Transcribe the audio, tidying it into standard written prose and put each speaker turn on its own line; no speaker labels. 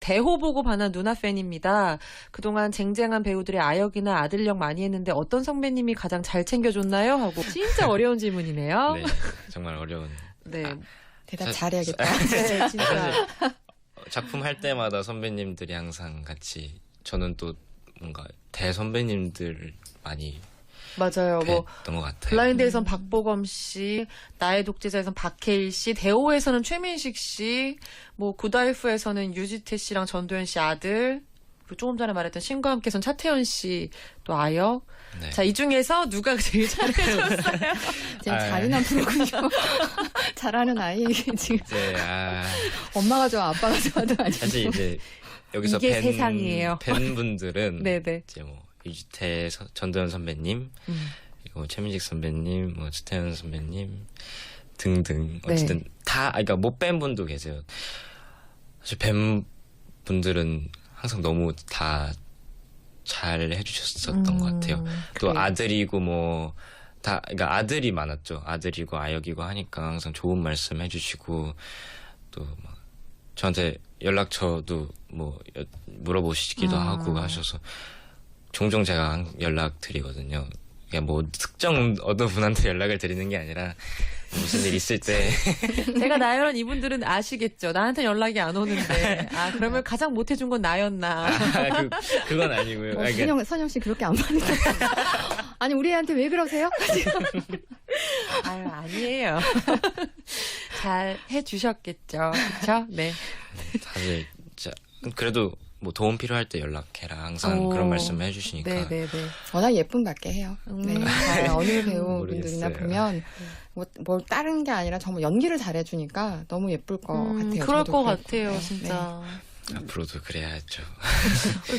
대호 보고 반한 누나 팬입니다. 그동안 쟁쟁한 배우들의 아역이나 아들역 많이 했는데 어떤 선배님이 가장 잘 챙겨줬나요? 하고 진짜 어려운 질문이네요.
네, 정말 어려운.
네.
대답
사-
잘해야겠다.
네, 진짜.
사실 작품 할 때마다 선배님들이 항상 같이 저는 또 뭔가 대선배님들 많이
맞아요. 뭐
뵀던 것 같아요.
블라인드에선 박보검 씨, 나의 독재자에선 박해일 씨, 대호에서는 최민식 씨, 뭐 굿와이프에서는 유지태 씨랑 전도연 씨 아들, 그리고 조금 전에 말했던 신과 함께선 차태현 씨 또 아역.
네.
자, 이 중에서 누가 제일 잘해줬어요?
지금
아.
잔인한 프로군요. 잘하는 아이 지금
이제
엄마가 좋아 아빠가 좋아도 아니고.
사실 이제 여기서
이게 세상이에요.
팬분들은
네네.
이제 뭐 유지태 전도연 선배님, 그리고 최민식 선배님, 뭐 차태현 선배님 등등 어쨌든 다 그러니까 못 뵌 분도 계세요. 사실 뵌 분들은 항상 너무 다 잘 해주셨었던 것 같아요. 또
그래요.
아들이고 뭐 다 그러니까 아들이 많았죠. 아들이고 아역이고 하니까 항상 좋은 말씀 해주시고 또 막 저한테 연락처도 뭐 물어보시기도 하고 하셔서 종종 제가 연락 드리거든요. 그냥 뭐 특정 어느 분한테 연락을 드리는 게 아니라 무슨 일 있을 때
제가 나열한 이분들은 아시겠죠? 나한테 연락이 안 오는데. 아, 그러면 가장 못해준 건 나였나.
그건 아니고요. 아, 그러니까
선영 씨 그렇게 안 받는 거 아니 우리 애한테 왜 그러세요?
아유, 아니에요. 잘 해주셨겠죠. 그쵸? 네.
다들 진짜 그래도 뭐 도움 필요할 때 연락해라 항상
오.
그런 말씀 해주시니까
네네네.
워낙 예쁨 받게 해요. 네. 어느 배우분들이나
모르겠어요.
보면 뭘 다른 게 아니라 정말 연기를 잘해주니까 너무 예쁠 것 같아요.
그럴
저도
것
그럴
같아요,
거예요.
진짜.
앞으로도 그래야죠.